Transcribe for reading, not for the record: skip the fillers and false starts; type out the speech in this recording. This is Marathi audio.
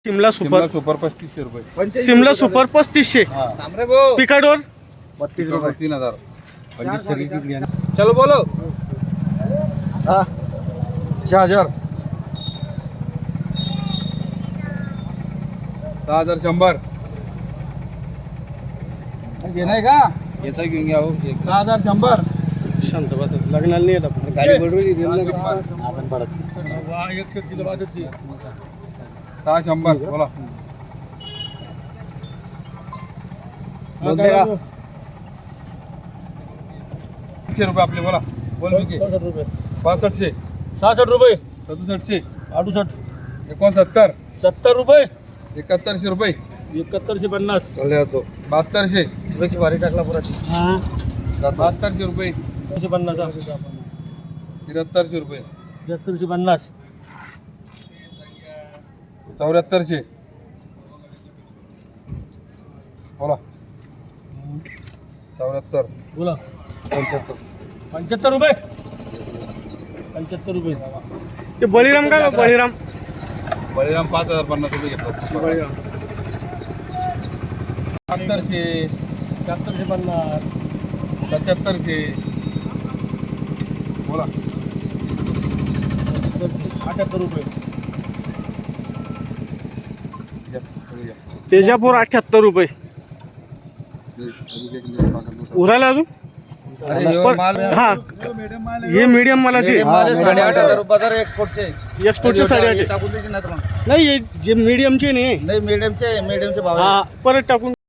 शिमला सुपर सुपर 3500 रुपये. शिमला सुपर 3500. पिकाडोर 32 रुपये. 3000. 25 चलो बोलो. 6000 6100. घेणार का याचा घेऊन घ्या हो. 6100 शांत बस लग्नाला नाही येत आपण. गाडी बडवली आपण पडत 600 बोला. बोलते का 100 रुपये आपले बोला. बोल मी 65 रुपये 6500. 66 रुपये 6700. 68 69. 70 रुपये 7100 रुपये. 7150 चालले जातो. 7200. थोडीशी भारी टाकला पुरा 7200 रुपये. 50 7300 रुपये. 7350 7400. बोला. 74. बोला 75. 75 रुपये 75 रुपये ते बळीराम का बळीराम बळीराम 5050 रुपये घेतला. बळीराम 7200. 7750 7700. बोला. 78 रुपये घ्या, तुम्ही घ्या. तेजापूर 78 रुपये. उरायला अजून हा हे मीडियम मालाचे 8,500 रुपये एक्सपोर्टचे एक्सपोर्टचे 8,500 टाकून देशील ना तुम्हाला नाही हे जे मीडियमचे नाही नाही मीडियमचे भाव हा परत टाकून